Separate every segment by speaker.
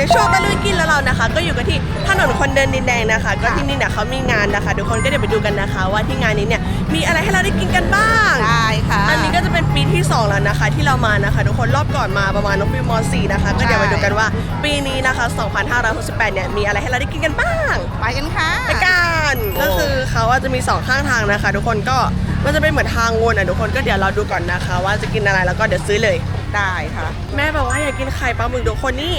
Speaker 1: ในช่วงตะลุยกินแล้วเรานะคะก็อยู่กันที่ถนนคนเดินดินแดงนะคะก็ที่นี่เนี่ยเขามีงานนะคะทุกคนก็เดี๋ยวไปดูกันนะคะว่าที่งานนี้เนี่ยมีอะไรให้เราได้กินกันบ้าง
Speaker 2: ได้ค่ะ
Speaker 1: อันนี้ก็จะเป็นปีที่2แล้วนะคะที่เรามานะคะทุกคนรอบก่อนมาประมาณน้องฟิวม.4 นะคะก็เดี๋ยวไปดูกันว่าปีนี้นะคะ2568เนี่ยมีอะไรให้เราได้กินกันบ้าง
Speaker 2: ไปกันค่ะ
Speaker 1: ไปกันก็คือเขาจะมี2ข้างทางนะคะทุกคนก็มันจะเป็นเหมือนทางวนทุกคนก็เดี๋ยวเราดูก่อนนะคะว่าจะกินอะไรแล้วก็เดี๋ยวซื้อเลย
Speaker 2: ได้ค่ะ
Speaker 1: แม่บอกว่าอยากกินไข่ปลาหมึกทุกคนนี่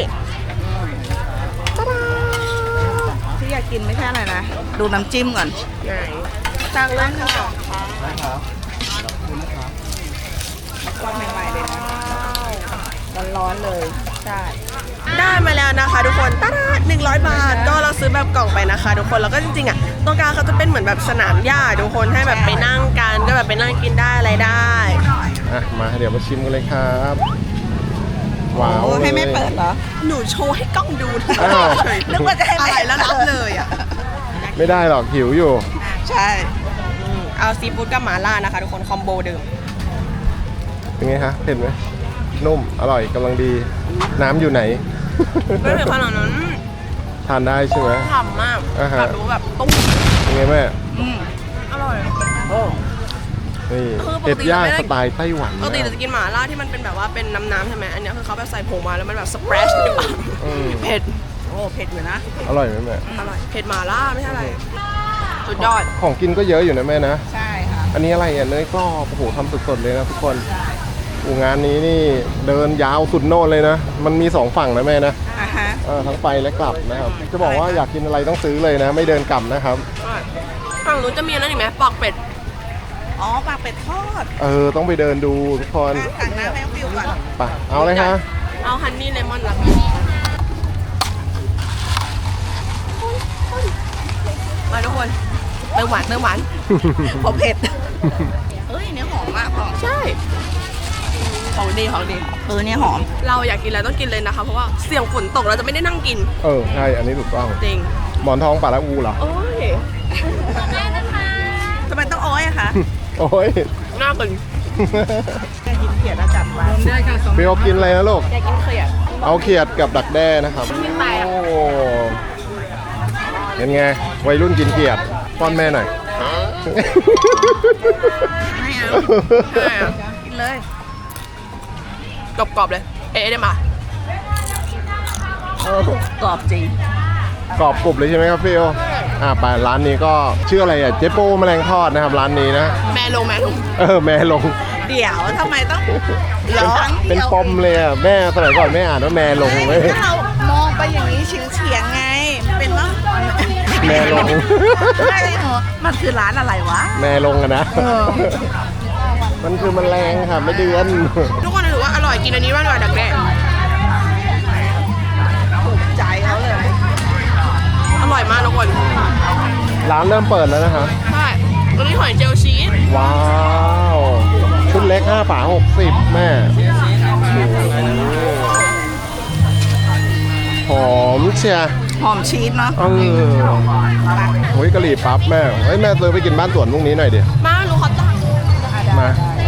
Speaker 2: ที่อยากกินไม่ใช่อะไรนะดูน้ำจิ้มก่อน
Speaker 1: ไหนสั่งเลยค่ะ
Speaker 2: ได้ครับก้อนใหม่ๆเลยนะร้อนๆเลยใช่
Speaker 1: ได้มาแล้วนะคะทุกคนตาดา100 บาทก็เราซื้อแบบกล่องไปนะคะทุกคนแล้วก็จริงๆอ่ะตรงกลางเขาจะเป็นเหมือนแบบสนามหญ้าทุกคนให้แบบไปนั่งกันก็แบบไปนั่งกินได้อะไรได้
Speaker 3: มาเดี๋ยวมาชิมกันเลยครับว้าว
Speaker 2: ให้แม่เปิดเหรอ
Speaker 1: หนูโชว์ให้กล้องดู
Speaker 2: นึกว่าจะให้แม่
Speaker 1: แล้วรับเลยอ่ะ
Speaker 3: ไม่ได้หรอกหิวอยู่
Speaker 2: ใช่
Speaker 1: เอาซีฟู้ดกับหม่าล่านะคะทุกคนคอมโบเดิม
Speaker 3: เป็นไงคะเผ็ดไหมนุ่มอร่อยกำลังดีน้ำอยู่ไหน
Speaker 1: ไม่เผ็ดขนาดนั้น
Speaker 3: ทานได้ใช่ไหม
Speaker 1: ฉ่ำมากแบบรู้แบบตุ้ม
Speaker 3: เป็นไงแม่
Speaker 1: อร่อย
Speaker 3: นี่เผ็ดย่างสไตล์ไต้หวัน
Speaker 1: ปกติเราจะกินหม่าล่าที่มันเป็นแบบว่าเป็นน้ำใช่ไหมอันนี้คือเขาแบบใส่ผงมาแล้วมันแบบสเปรชอยู่เผ็ด
Speaker 2: โอ้เผ็ดอยู่นะ
Speaker 3: อร่อยไหมแม่
Speaker 1: อร่อยเผ็ดหม่าล่าไม่ใช่อะไรสุดยอด
Speaker 3: ของกินก็เยอะอยู่นะแม่นะ
Speaker 2: ใช่ค่ะ
Speaker 3: อันนี้อะไรอ่ะเนยกรอบโอ้โหทำสดๆเลยนะทุกคนงานนี้นี่เดินยาวสุดโน่นเลยนะมันมี2ฝั่งนะแม่นะทั้งไปและกลับนะครับจะบอกว่าอยากกินอะไรต้องซื้อเลยนะไม่เดินกลับนะครับ
Speaker 1: ฝั่งนู้นจะมีอะไรอีกไหมปากเป็ด
Speaker 2: อ๋อปากเป็ดทอด
Speaker 3: ต้องไปเดินดูทุกคน
Speaker 2: สั่งน้ำให้ฟิวก่อน
Speaker 3: ไปเอาเลยฮะ
Speaker 1: เอาฮันนี่เลมอนละมาทุกคนเติมหวาน
Speaker 2: ผมเผ็ดเฮ้ยเนี่ยหอมมากหอม
Speaker 1: ใช่ของดี
Speaker 2: เนี่ยหอม
Speaker 1: เราอยากกินอะไรต้องกินเลยนะคะเพราะว่าเสี่ยงฝนตกเราจะไม่ได้นั่งกิน
Speaker 3: ใช่อันนี้ถูกต้อง
Speaker 1: จริง
Speaker 3: หมอนทองป่าละอูเหรอ
Speaker 1: โอ้ย
Speaker 2: แม่นะคะทำไมต้องโอ้ยอะคะ
Speaker 3: โอ้ย
Speaker 1: น่ากิน
Speaker 2: กินเขียดแล้วจัดไว้
Speaker 1: ได้ค่ะ
Speaker 3: พี่เอากินอะไรนะลูก
Speaker 1: อยากกินเขียด
Speaker 3: เอาเขียดกับดักแด้นะครับโอ้เป็นไงวัยรุ่นกินเขียดป้อนแม่หน่อย
Speaker 2: ไม่เอากินเลย
Speaker 1: กรอบๆเลยได้มาก
Speaker 2: รอบจริง
Speaker 3: กรอบกรุบเลยใช่ไหมครับพี่ไปร้านนี้ก็ชื่ออะไรอ่ะเจ๊โป้แมลงทอดนะครับร้านนี้นะ
Speaker 1: แม่ลง
Speaker 3: แม่ลง
Speaker 2: เดี๋ยวทำไมต้อง
Speaker 3: เป็นปมเลยอ่ะแม่สมัยก่อนแม่อ่านว่าแม่ลงเลย
Speaker 2: เรามองไปอย่างนี้เฉียงไงเป็นว่า
Speaker 3: แม่ลง
Speaker 2: ไม่เหรอมันคือร้านอะไรวะ
Speaker 3: แม่ลงอะนะมันคือมันแรงค่ะไม่เดือน
Speaker 1: ทุกคนถือว่าอร่อยกินอันนี้ว่าอร่อยดักแด้
Speaker 2: ถูกใจเขาเลย
Speaker 1: อร่อยมากทุกคน
Speaker 3: ร้านเริ่มเปิดแล้วนะคะ
Speaker 1: ใช่ตัวนี้หอยเจลชีส
Speaker 3: ว้าวชุดเล็ก5 ฝา 60แม่หอมเชีย
Speaker 2: หอมชีสเนาะ
Speaker 3: โอ้ยกะหรี่ปั๊บแม่แม่ซื้อไปกินบ้านสวนพรุ่งนี้หน่อยดิ
Speaker 1: มาลูกขอตั้ง
Speaker 3: มา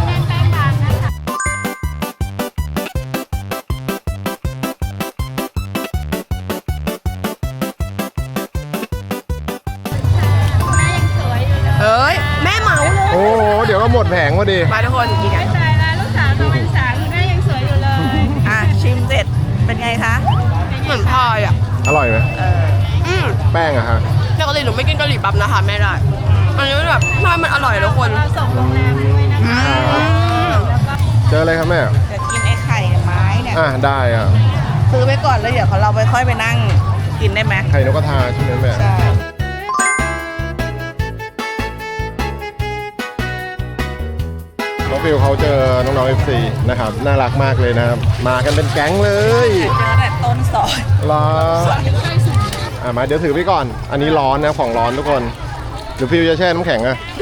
Speaker 1: แม่เหมาเลย
Speaker 3: โอ้โหเดี๋ยวก็หมดแผงพอดี
Speaker 1: มาทุกคนกินกัน
Speaker 4: ใช่แล้วลูกสาวตัวเป็นสาวคือแม่ยังสวยอยู่เลย
Speaker 2: ชิมเสร็จเป็นไงคะ
Speaker 1: เหมือนพายอ่ะ
Speaker 3: อร่อยไหมแป้งอะฮะ
Speaker 1: ปกติหนูไม่กินกะหรี่ปั๊บนะคะแม่ได้อันนี้แบบพายมันอร่อยทุกคน
Speaker 4: ส่งโรงแรมด้วยนะคะ
Speaker 3: เจออะไรครับแม่
Speaker 2: จะกินไอ้ไข่ไม้เนี่ย
Speaker 3: ได้
Speaker 2: ซื้อไปก่อนแล้วเดี๋ยวเราไปค่อยไปนั่งกินได้ไหม
Speaker 3: ไข่นกกระทาใช่ไหมแม่
Speaker 2: ใช่
Speaker 3: น้องฟิวเขาเจอน้องๆ FC นะครับน่ารักมากเลยนะครับมากันเป็นแก๊งเลย
Speaker 2: เจอแต่ต้นซอย
Speaker 3: รอมาเดี๋ยวถือไปก่อนอันนี้ร้อนนะของร้อนทุกคนหรือฟิวจะแช่น้ำแข็ง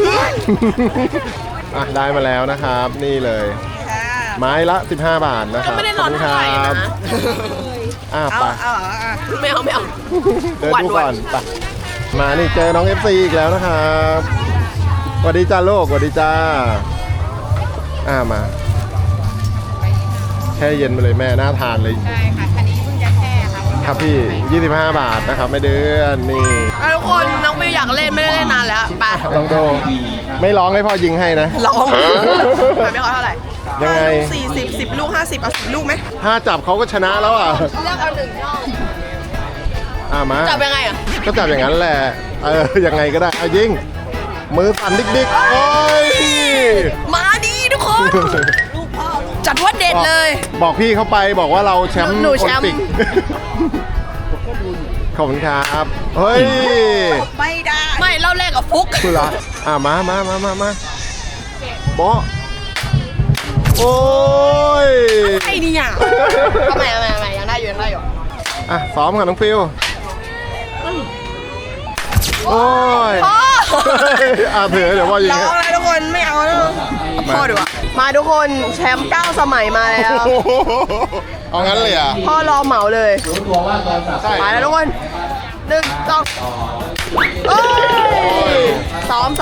Speaker 3: ได้มาแล้วนะครับนี่เลยไม้ละ15 บาทนะครับ
Speaker 1: ไม่ได้ร้อนเท่าไหร่นะ
Speaker 3: ไป
Speaker 1: ไม่เอา
Speaker 3: เดินดูก่อนไปมานี่เจอน้อง FC อีกแล้วนะครับสวัสดีจ้าลูกสวัสดีจ้ามาแช่เย็นไปเลยแม่น่าทานเลย
Speaker 4: ใช่ค่ะคันนี้เพิ่งจะแช่ค่ะ
Speaker 3: ครับพี่ 25 บาทนะครับไม่เดือนนี่
Speaker 1: ทุกคนน้องวิวอยากเล่นไม่ได้เล่นนานแล้วไป
Speaker 3: ลองดูไม่ร้องให้พ่อยิงให้นะ
Speaker 1: ลองไม่ขอเท่าไหร่
Speaker 3: ยังไง
Speaker 1: 40 10 ลูก 50 เอา 10 ลูกไหม
Speaker 3: ถ้าจับเขาก็ชนะแล้วอ่ะ
Speaker 1: เลือกเอา1ช่อง
Speaker 3: มา
Speaker 1: จับยังไงอ่ะ
Speaker 3: ก็จับอย่างนั้นแหละยังไงก็ได้เอายิงมือสั่นดิกๆโอ้ย
Speaker 1: มาดีทุกคน จัดว่าเด็ดเลย
Speaker 3: บอกพี่เข้าไปบอกว่าเราแชมป์
Speaker 1: หนูแชมป์
Speaker 3: โอลิมปิกขอบคุณครับเฮ้ย
Speaker 2: ไม่ได้
Speaker 1: ไม่เล่าแรกกับฟุก
Speaker 3: คือละมาโบ๊ะโอ้ย
Speaker 1: ไอ้นี่อ่ะทำไมยังได้อยู่
Speaker 3: ซ้อมกับน้องฟิวโอ้ย
Speaker 1: พ่อ
Speaker 3: เดี๋ยวพ่อยิง
Speaker 1: ร้องอะไรทุกคนไม่เอาแล้วพ่อดูอ่ะมาทุกคนแชมป์9 สมัยมาแล้ว
Speaker 3: เอางั้นเลยอ่ะ
Speaker 1: พ่อรอเหมาเลย
Speaker 3: ใช่
Speaker 1: ไปแล้วทุกคน1 2โอ้ยซ้อม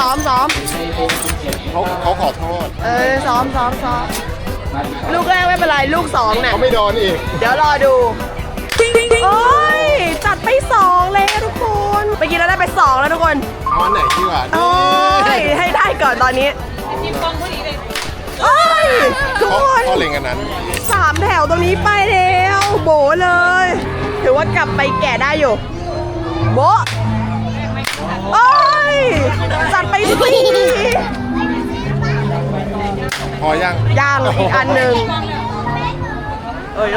Speaker 3: เขาขอโทษ
Speaker 1: ซ้อมลูกแรกไม่เป็นไรลูก2เนี่ย
Speaker 3: เขาไม่โดนอีก
Speaker 1: เดี๋ยวรอดูโอ้ยจัดไป2เลยทุกคนเมื่อกี้เราได้ไป2แล้วทุกคน
Speaker 3: เอาอันไหนดีกว่า
Speaker 1: โอ้ยให้ได้ก่อนตอนนี้โอ้ยทุกคน
Speaker 3: พ่อเล็งอันนั้น
Speaker 1: 3 แถวตรงนี้ไปแล้วโบเลย ถือว่ากลับไปแก่ได้อยู่โบะโอ้ยจัดไป4
Speaker 3: พอยัง
Speaker 1: ย่างอีกอันหนึ่งเอ้ย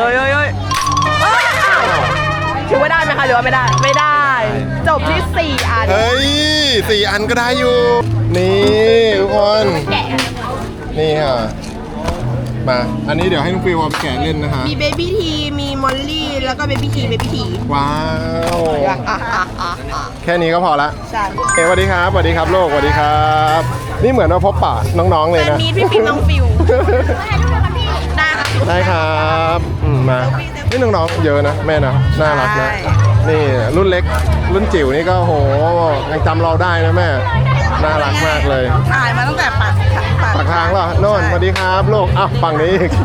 Speaker 1: ถือว่าได้ไหมคะหรือว่าไม่ได้ ไม่ได้ จบที่ 4 อัน
Speaker 3: เฮ้ย4 อันก็ได้อยู่ นี่ทุกคน นี่ค่ะ มา อันนี้เดี๋ยวให้น้องฟิวเอาไปแกะเล่นนะคะ
Speaker 1: มีเบบี้ทีมีมอลลี่แล้วก็เบบี้ที
Speaker 3: ว้าว
Speaker 1: อ่ะ
Speaker 3: แค่นี้ก็พอละ
Speaker 1: ใช่
Speaker 3: สวัสดีครับสวัสดีครับโลกสวัสดีครับ นี่เหมือนว่าพบปะน้องๆเลย
Speaker 1: แต่
Speaker 3: นะ
Speaker 1: นี้พี่ปิ๊งน้องฟิวได้ค่ะ
Speaker 3: ได้ครับมานี่น้องๆเยอะนะแม่นะน่ารักนะ
Speaker 1: ใช่
Speaker 3: นี่รุ่นเล็กรุ่นจิ๋วนี่ก็โหยังจำเราได้นะแม่น่ารักมากเลย
Speaker 2: ถ่ายมาตั้งแต่ปาก
Speaker 3: ปากทางเหรอโน่นสวัสดีครับลูกอ่ะฝั่งนี้อีก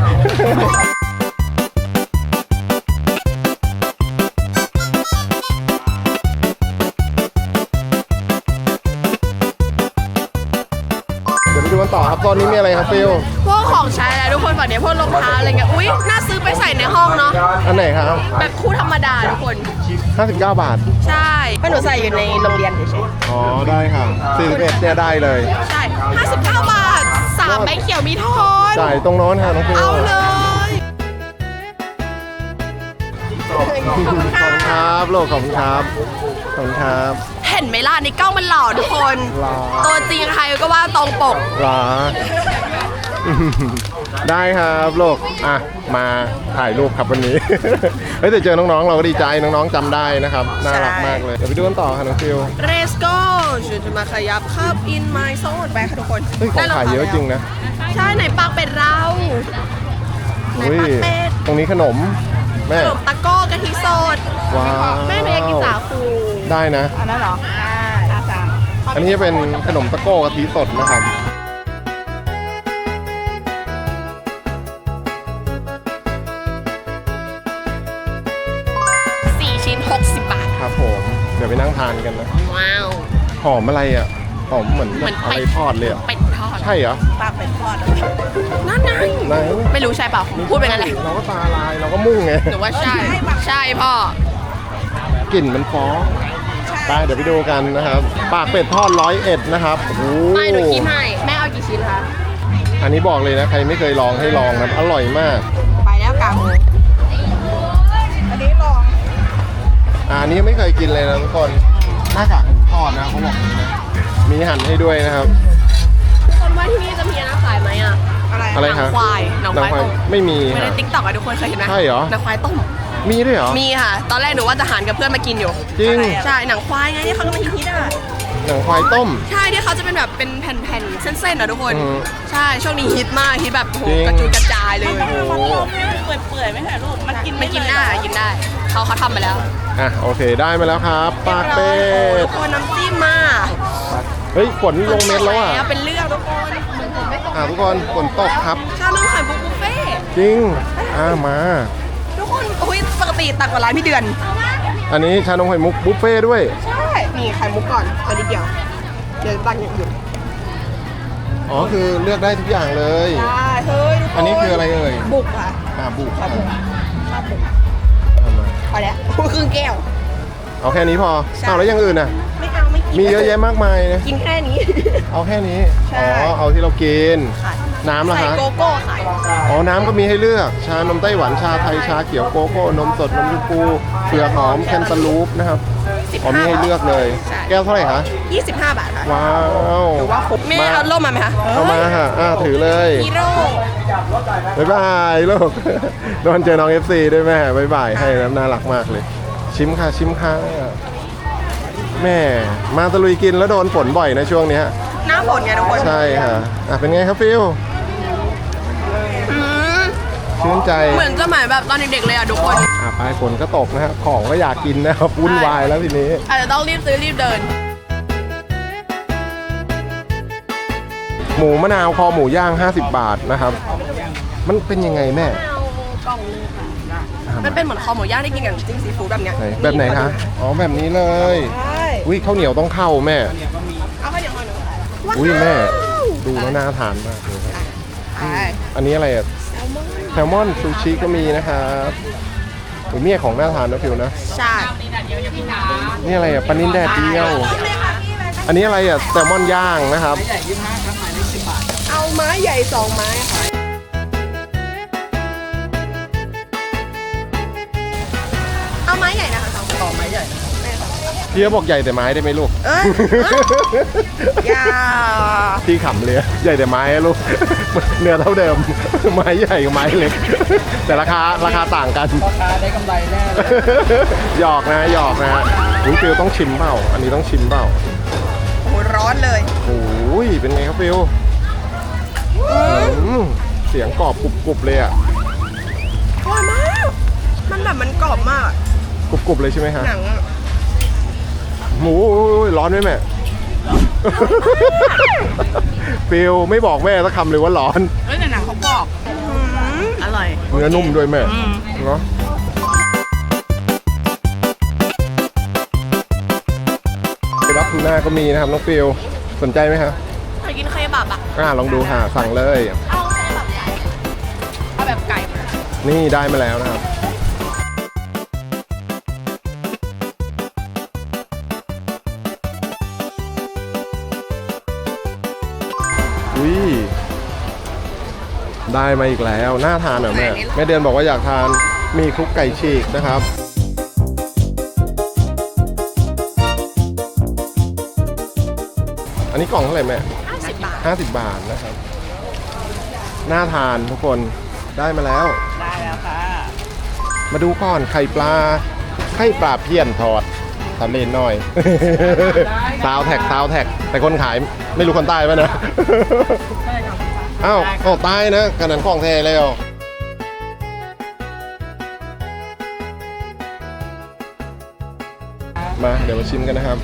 Speaker 3: เดี๋ยวไปดูกันต่อครับตอนนี้มีอะไรครับฟิล
Speaker 1: พวกของใช้อะไรทุกคนฝั่งเนี้ยพวกรองเท้าอะไรเงี้ยอุ้ยน่าซื้อไปใส่ในห้องเนาะ
Speaker 3: อันไหนครับ
Speaker 1: แบบคู่ธรรมดาทุกคน
Speaker 3: 59 บาท
Speaker 1: ใช่ก็หนูใส่อยู่ในโรงเรียนเฉย
Speaker 3: อ๋อได้ค่ะ41เนี่ยได้เลย
Speaker 1: ๆใช่59 บาท3ใบเขียวมีทอน
Speaker 3: จ่ายตรงโน้นค่ะน้องฟิล
Speaker 1: เอาเลย
Speaker 3: ขอบคุณครับโลกขอบคุณครับขอบคุณครับ
Speaker 1: เห็นไหมล่ะในกล้องมันหล่อทุกคน
Speaker 3: หล่อ
Speaker 1: ตัวจริงใครก็ว่าตรงปก
Speaker 3: หรอ ได้ครับโลกอ่ะมาถ่ายรูปครับวันนี้ เฮ้ยแต่เจอน้องๆเราก็ดีใจน้องๆจำได้นะครับน่ารักมากเลยเดี๋ยวไปดูกันต่อค่ะน้องฟิว
Speaker 1: Let's go ฉันจะมาขยับเข้า in my zone ไปค่ะทุกคน
Speaker 3: เฮ้ยของขายเยอะจริงนะ
Speaker 1: ใช่ไหนปากเป็ดเราไหน
Speaker 3: อุ้ย
Speaker 1: ปากเป็ด
Speaker 3: ตรงนี้ขนมแม่
Speaker 1: ขนมตะโก้กะทิสด
Speaker 3: ว้าว
Speaker 1: แม่หนูอยากกินสาคู
Speaker 3: ได้นะ
Speaker 2: อันนั้นเหรอได้อาจารย์
Speaker 3: อันนี้จะเป็นขนมตะโก้กะทิสดนะครับ
Speaker 1: 4 ชิ้น 60 บาท
Speaker 3: ครับผมเดี๋ยวไปนั่งทานกันนะ
Speaker 1: ว้าว
Speaker 3: หอมอะไรอ่ะหอมเหมือน
Speaker 1: เหมือน
Speaker 3: อะไร
Speaker 1: เป็ด
Speaker 3: ทอดเลยอ่ะ
Speaker 1: เป็ดทอด
Speaker 3: ใช่เหรอ
Speaker 2: ปากเป็นทอด
Speaker 1: นั่นไง
Speaker 3: ไหน
Speaker 1: ไม่รู้ใช่เปล่าพูดเป็นอะไร
Speaker 3: เราก็ตาลายเราก็มุ่งไง
Speaker 1: หรือว่าใช่ ใช่พ่อก
Speaker 3: ลิ่นมันฟ้องไปเดี๋ยวไปดูกันนะครับ ปากเป็ดทอด101นะครับโอ้โห
Speaker 1: ไม่หนูคิดให้แม่เอากี่ชิ้นคะ
Speaker 3: อันนี้บอกเลยนะใครไม่เคยลองให้ลองนะอร่อยมาก
Speaker 1: ไปแล้วกาง
Speaker 2: อันนี้ลอง
Speaker 3: อันนี้ไม่เคยกินเลยนะทุกคนหน้ากากหมูทอดนะเขาบอกอย่างนี้นะมีหั่นให้ด้วยนะครับ
Speaker 1: ทุกคนว่าที่นี่จะมีอะไรขายไหมอ่ะ
Speaker 2: อะไร
Speaker 3: อะไร
Speaker 1: หนั
Speaker 3: คะ
Speaker 1: ควายหนังควายต้ม
Speaker 3: ไม่มี
Speaker 1: ไม่ได้
Speaker 3: ฮะ
Speaker 1: ติ๊กต็อกอะทุกคนเคยเห็นไหม
Speaker 3: ใช่เหรอ
Speaker 1: หนังควายต้ม
Speaker 3: มีด้วยเหรอ
Speaker 1: มีค่ะ ตอนแรกหนูว่าจะหารกับเพื่อนมากินอยู่
Speaker 3: จริง
Speaker 1: ใช่ หนังควายไงที่เขากำลังฮิตอ่ะ
Speaker 3: หนังควายต้ม
Speaker 1: ใช่ที่เขาจะเป็นแบบเป็นแผ่นๆ เส้นๆอ่ะทุกคน
Speaker 3: อืม
Speaker 1: ใช่ ช่วงนี้ฮิตมากฮิตแบบโห
Speaker 3: จริง
Speaker 1: กระจุยกระจายเลย
Speaker 3: โอ้โห
Speaker 2: เปื่อยๆไม่ใช่ลูกมันกิน
Speaker 1: ไม่กินได้กินได้ เขาทำมาแล้ว
Speaker 3: อ่ะโอเคได้มาแล้วครับปากเป็ด
Speaker 1: ทุกคนน้ำจิ้มมา
Speaker 3: เฮ้ยฝนลงเม็ดแล้วอ่ะ
Speaker 1: เป็นเรื่องทุกคนเหมือนผมไม่ตก
Speaker 3: ทุกคนฝนตกครับ
Speaker 1: ชานมไข่มุกบุฟเฟ่ต์
Speaker 3: จริงมา
Speaker 1: ทุกคนอุ้ยปกติติตักกว่าร้านพี่เดือน
Speaker 3: อันนี้ชานมไข่มุกบุฟเฟ่ต์ด้วย
Speaker 1: ใช่นี่ไข่มุกก่อนเอานิดเดียวเดี๋ยวตักอย่างอื่น
Speaker 3: อ๋อคือเลือกได้ทุกอย่างเลย
Speaker 1: ใช่เฮ้ยทุกคน
Speaker 3: อันนี้คืออะไรเอ่ย
Speaker 1: บุกค่ะ
Speaker 3: บุก
Speaker 1: ข้าวบุกข้าวบุก
Speaker 3: เอามา
Speaker 1: พอแล้วครึ่งแก้ว
Speaker 3: เอาแค่นี้พอ
Speaker 1: ใช่
Speaker 3: เอาแล้วอย่างอื่นอ่ะ
Speaker 1: ไม่เอาไม่กิน
Speaker 3: มีเยอะแยะมากมายนะ
Speaker 1: กินแค่นี้
Speaker 3: เอาแค่นี้
Speaker 1: ใช่
Speaker 3: อ๋อ เอาที่เรากิน
Speaker 1: ค่ะ
Speaker 3: น้ำล่ะ
Speaker 1: ใส่
Speaker 3: ฮะ
Speaker 1: โกโก้ค่ะ
Speaker 3: อ๋อ น้ำก็มีให้เลือก ชานมไต้หวัน ชาไทย ชาเขียวโกโก้ นมสด นมชมพูเปลือกหอม แคนตาลูปนะครับ อ๋อมีให้เลือกเลย
Speaker 1: ใช่
Speaker 3: แก้วเท่าไหร่คะ
Speaker 1: 25 บาทค่ะ
Speaker 3: ว้าว
Speaker 1: ถือว่าคุ้มแม่เอาร่มมาไหมคะ
Speaker 3: เอามาค่ะถือเลย
Speaker 1: ฮีโร่
Speaker 3: บ๊ายบายลูก โดนเจอน้อง FC ด้วยแม่บ๊ายบายให้นะน่ารักมากเลย ชิมค่ะชิมค่ะแม่มาตะลุยกินแล้วโดนฝนบ่อยนะช่วงเนี้ย
Speaker 1: หน้าฝนไงทุกคน
Speaker 3: ใช่ค่ะเป็นไงครับฟิล
Speaker 1: อืม
Speaker 3: ชื่นใจ
Speaker 1: เหมือนสมัยแบบตอนเด็กๆเลยอ่ะทุกคน
Speaker 3: ปลายฝนก็ตกนะฮะของก็อยากกินนะครับวุ่นวายแล้วทีนี้
Speaker 1: อาจจะต้องรีบซื้อรีบเดิน
Speaker 3: หมูมะนาวคอหมูย่าง 50 บาทนะครับ มันเป็นยังไงแม่
Speaker 1: มันเป็นเหมือนคอหมูย่างที่กินกับจิ้มซีฟู้ดแบบเนี้ย
Speaker 3: ไหนแบบไหนคะอ๋อแบบนี้เลย
Speaker 1: ใช่
Speaker 3: อุ้ยข้าวเหนียวต้องเข้าแม่
Speaker 1: เอาข้าวเหนียวหน่อยหนึ่ง
Speaker 3: อุ้ยแม่ดูแล้วน่าทานมากเลยครับ
Speaker 1: ใช่
Speaker 3: อันนี้อะไรอะแซลมอนซูชิก็มีนะครับโอ้ยเนี่ยของน่าทานนะฟิวนะ
Speaker 1: ใช่
Speaker 3: นี่อะไรอะปลานิลแดดเดียว อันนี้อะไรอะแซลมอนย่างนะครับ
Speaker 1: เอาไม้ใหญ่2 ไม้ค่ะเอาไม้ใหญ่นะคะ2 ไม้ใหญ่
Speaker 3: พี่ก็บอกใหญ่แต่ไม้ได้ไหมลูก
Speaker 1: เอ้ยอย่า
Speaker 3: พี่ขำเลยใหญ่แต่ไม้อะลูก เนื้อเท่าเดิม ไม้ใหญ่กับไม้เล็ก แต่ราคาต่างกัน
Speaker 2: พ่อค้าได้กำไรแน่เลย
Speaker 3: หยอกนะหยอกนะอุ้ยฟิวต้องชิมเปล่า อันนี้ต้องชิมเปล่า
Speaker 1: โอ้โหร้อนเลย
Speaker 3: โอ้ยเป็นไงครับฟิวเสียงกรอบกรุบๆเลยอ่ะ
Speaker 1: อร่อยมาก มันแบบมันกรอบมาก
Speaker 3: กรุบๆเลยใช่ไหมฮะ
Speaker 1: หนังอะ
Speaker 3: หมูร้อนไหมแม่ ฟิวไม่บอกแม่สักคำเลยว่าร้อน
Speaker 1: เฮ้ยแต่หนังเขากรอบอร่อย
Speaker 3: เนื้อนุ่มด้วยแม่เนาะเคบับทูน่าก็มีนะครับน้องฟิวสนใจไหมครับ
Speaker 1: เคยกินเคบับอ่ะ
Speaker 3: ลองดูค่ะสั่งเลย
Speaker 1: เอาเคบับใหญ่เอาแบบไก่มา
Speaker 3: นี่ได้มาแล้วนะครับอุ้ยได้มาอีกแล้วน่าทานเหรอแม่แม่เดือนบอกว่าอยากทานมีคลุกไก่ฉีกนะครับอันนี้กล่องเท่าไหร่แม่
Speaker 1: 50 บาท
Speaker 3: 50 บาทนะครับน่าทานทุกคนได้มาแล้ว
Speaker 2: ได้แล้วค่ะ
Speaker 3: มาดูก่อนไข่ปลาเพี้ยนทอดทำเล่นหน่อย ซาวแท็กแต่คนขายไม่รู้คนใต้ป่ะนะ
Speaker 2: ใช่ครับ
Speaker 3: อ้าวใต้นะขนาดของแท้เลยมาเดี๋ยวมาชิมกันนะครับ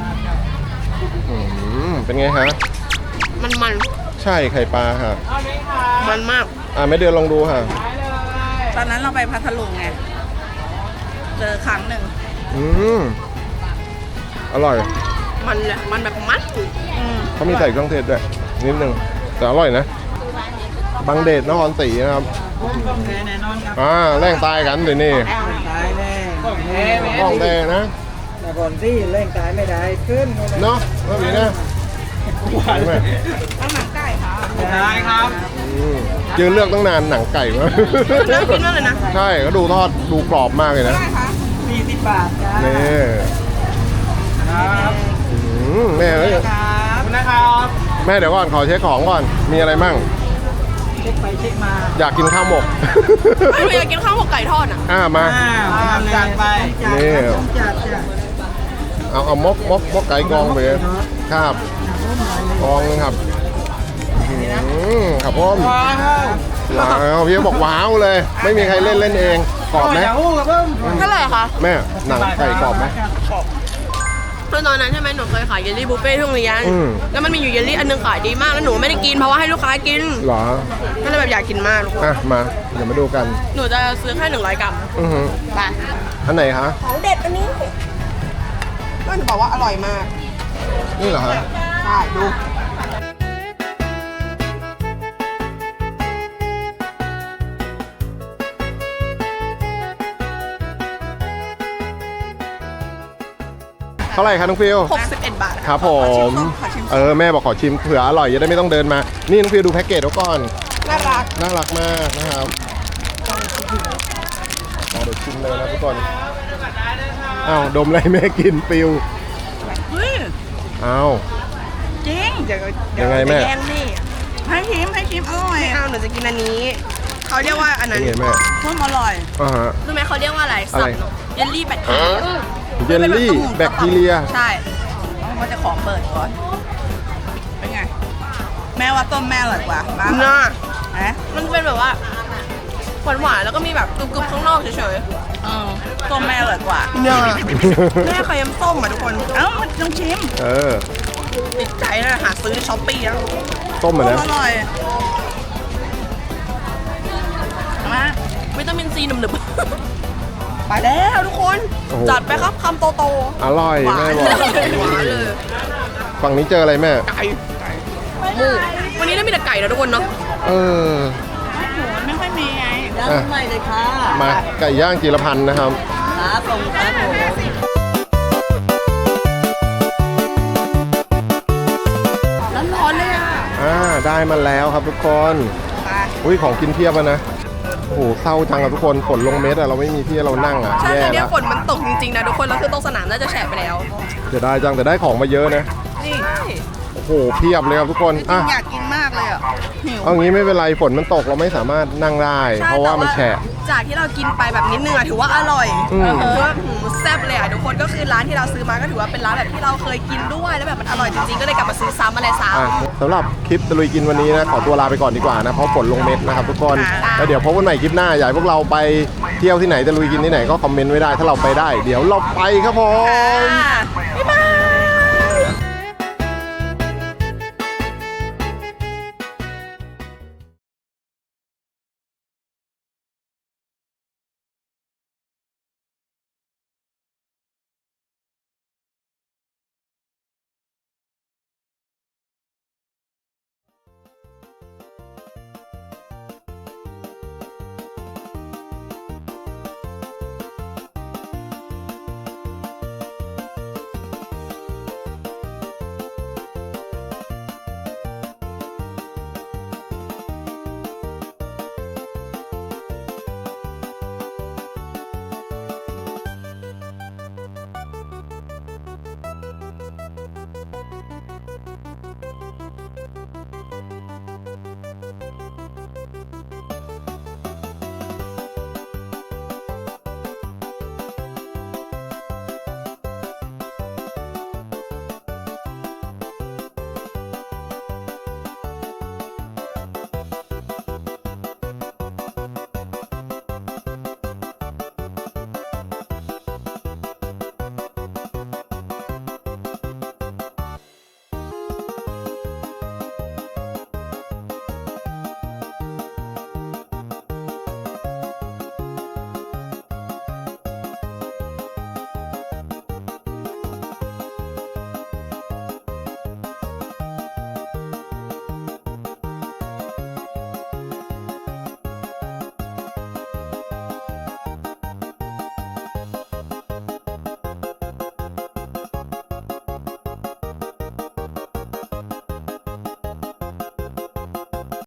Speaker 3: เป็นไงฮะ
Speaker 1: มัน
Speaker 3: ใช่ไข่ปลาค่ะ
Speaker 1: มันมาก
Speaker 3: แม่เดือนลองดูค่ะ
Speaker 2: ตอนนั้นเราไปพัทลุงไง เจอครั้งหนึ่ง
Speaker 3: อร่อย
Speaker 1: มันแบบมัด
Speaker 3: เขามีใส่เครื่องเทศด้วยนิดนึงแต่อร่อยนะบางเดชนครศรีนะครับ
Speaker 2: แน่นอนครับ
Speaker 3: แร่งตายกันเดี๋ยวนี้
Speaker 2: ตายแน่
Speaker 3: ห้องแดงนะ
Speaker 2: แต่ก่อนที่เล่นตายไม่ได้ขึ้น
Speaker 3: เนาะว่ามีนะหวานไหม
Speaker 1: เอาหนังไก่ค่ะ
Speaker 2: ได้ครับ
Speaker 3: ยืนเลือกตั้งนานหนังไก่วะ
Speaker 1: น่ากินมากเลยนะ
Speaker 3: ใช่ก็ดูทอดดูกรอบมากเลยนะ
Speaker 2: 40 บาทจ้า
Speaker 3: นี่
Speaker 2: ครับ
Speaker 3: แม่เอ้ย
Speaker 2: ครับนะครับ
Speaker 3: แม่เดี๋ยวก่อนขอเช็คของก่อนมีอะไรมั่ง
Speaker 2: เช็คไปเช็คมา
Speaker 3: อยากกินข้าวหมก
Speaker 1: ไม่อยากกินข้าวหมกไก่ทอดอ่ะ
Speaker 3: มา
Speaker 2: จัดไป
Speaker 3: นี่
Speaker 2: จัด
Speaker 3: เอามกไก่กองไปเลยครับกองนึงครับครับผม
Speaker 2: ว้าว
Speaker 3: ว้าวพี่บอกว้าวเลย ไม่มีใครเล่นเองกรอบไหม
Speaker 2: เดี๋ยวกับเพิ่ม
Speaker 1: เท่าไหร่คะ
Speaker 3: แม่หนังไก่กรอบไหม
Speaker 1: คือตอนนั้นใช่ไหมหนูเคยขายเยลลี่บุฟเฟ่ต์ที่โรงเรียน แล้วมันมีอยู่เยลลี่อันนึงขายดีมากแล้วหนูไม่ได้กินเพราะว่าให้ลูกค้ากิน
Speaker 3: เหรอ
Speaker 1: ก็เลยแบบอยากกินมากทุกคน
Speaker 3: อ่ะมาเดี๋ยวมาดูกัน
Speaker 1: หนูจะซื้อแค่100 กรัม
Speaker 3: อือหือ
Speaker 1: ไป
Speaker 3: อันไหนคะ
Speaker 1: ของเด็ดอันนี้ก็หนูบอกว่าอร่อยมาก
Speaker 3: นี่เหรอฮะ
Speaker 1: ใช่ดู
Speaker 3: เท่าไหร่คะน้องฟิว
Speaker 1: 61 บาท
Speaker 3: ครับผมแม่บอกขอชิมเผื่ออร่อยจะได้ไม่ต้องเดินมา นี่น้องฟิวดูแพ็กเกจเขาก่อน
Speaker 1: น่ารัก
Speaker 3: น่ารักมากนะครับเดี๋ยวชิมเลยนะทุกคนอ้าวดมอะไรแม่กินฟิว
Speaker 2: เฮ้ย
Speaker 3: อ้าว
Speaker 2: จริง
Speaker 1: เดี๋ยว
Speaker 3: ยังไงแม่
Speaker 1: จะแย่งนี่
Speaker 2: ให้ชิมอร่อย
Speaker 1: ไม่เอาหนูจะกินอันนี้ เขาเรียกว่าอันนั้น
Speaker 3: นี่ไงแม่
Speaker 2: ต้มอร่อย
Speaker 3: อ่าฮะ
Speaker 1: รู้ไหมเขาเรียกว่าอะไร
Speaker 3: อะไร
Speaker 1: สับเยลลี่แบคทีเรีย
Speaker 3: เยลลี่แบคทีเรีย
Speaker 1: ใช่
Speaker 2: ว่าจะขอเปิดก่อน เป็นไง แม่ว่าต้มแม่อร่อยกว่าบ้าง
Speaker 1: น่า
Speaker 2: ฮะ
Speaker 1: มันเป็นแบบว่าหวานๆแล้วก็มีแบบกรึบๆข้างนอกเฉย
Speaker 2: ต้มแม่อร่อยกว่า
Speaker 1: ๆเนี่ยแม่เคยยำส้มอ่ะทุกคน
Speaker 2: เอ้ามันต้องชิม
Speaker 3: เออ
Speaker 1: ติดใจนะหาซื้อช้อปปี้แล้ว
Speaker 3: ต้มเหมือน
Speaker 2: ต้
Speaker 3: นะ
Speaker 2: มอร่อยมา
Speaker 1: วิตามินซีหนึบๆ ไปแล้วทุกคน
Speaker 3: โอ้โห
Speaker 1: จัดไปครับคำโต
Speaker 3: อร่อย
Speaker 1: ๆหวา
Speaker 3: แม่
Speaker 1: น
Speaker 3: บอก
Speaker 1: เลยหวานเลย
Speaker 3: ฝั่งนี้เจออะไรแม่
Speaker 1: ไก่หมูวันนี้ได้มีแต่ไก่นะทุกคนเนาะ
Speaker 3: เออ
Speaker 2: ไม่ค่อยมีไง
Speaker 3: อ่ะ
Speaker 2: ใหม่เลยค่ะ
Speaker 3: มาไก่ย่างจีรพันธ์นะครับ
Speaker 2: ขาส่งครับผม
Speaker 1: ร้อนๆเลยอ่ะ
Speaker 3: ได้มาแล้วครับทุกคนอุ้ยของกินเพียบอะนะ โอ้โหเศร้าจังอะทุกคนฝนลงเม็ดอะเราไม่มีที่ให้เรานั่งอะ
Speaker 1: ใช่
Speaker 3: แย่
Speaker 1: แต่เนี่ย
Speaker 3: ละ
Speaker 1: ฝนมันตกจริงๆนะทุกคนแล้วคือตรงสนามน่าจะแฉะไปแล้ว
Speaker 3: เดี๋ยวได้จังแต่ได้ของมาเยอะนะ
Speaker 2: นี่
Speaker 3: โอ้โหเพียบเลยครับทุกคนอ่ะ
Speaker 2: อยากกินมากเลยอ่ะหิว
Speaker 3: เอางี้ไม่เป็นไรฝนมันตกเราไม่สามารถนั่งได้
Speaker 1: ใช่
Speaker 3: เพราะว่ามันแฉะ
Speaker 1: จากที่เรากินไปแบบนิดนึงอะถือว่าอร่อย
Speaker 3: อืม
Speaker 1: ถือว่าแซ่บเลยอะทุกคนก็คือร้านที่เราซื้อมาก็ถือว่าเป็นร้านแบบที่เราเคยกินด้วยแล้วแบบมันอร่อยจริงๆก็เลยกลับมาซื้อซ้ำอะไรซ้
Speaker 3: อ่ะสำหรับคลิปตะลุยกินวันนี้นะขอตัวลาไปก่อนดีกว่านะเพราะฝนลงเม็ดนะครับทุกคนแล้วเดี๋ยวพบกันใหม่คลิปหน้าอยากให้พวกเราไปเที่ยวที่ไหนตะลุยกินที่ไหนก็คอมเมนต์ไว้ได้ถ้าเราไปได้ เดี๋ยวเราไปครับผม
Speaker 1: ำ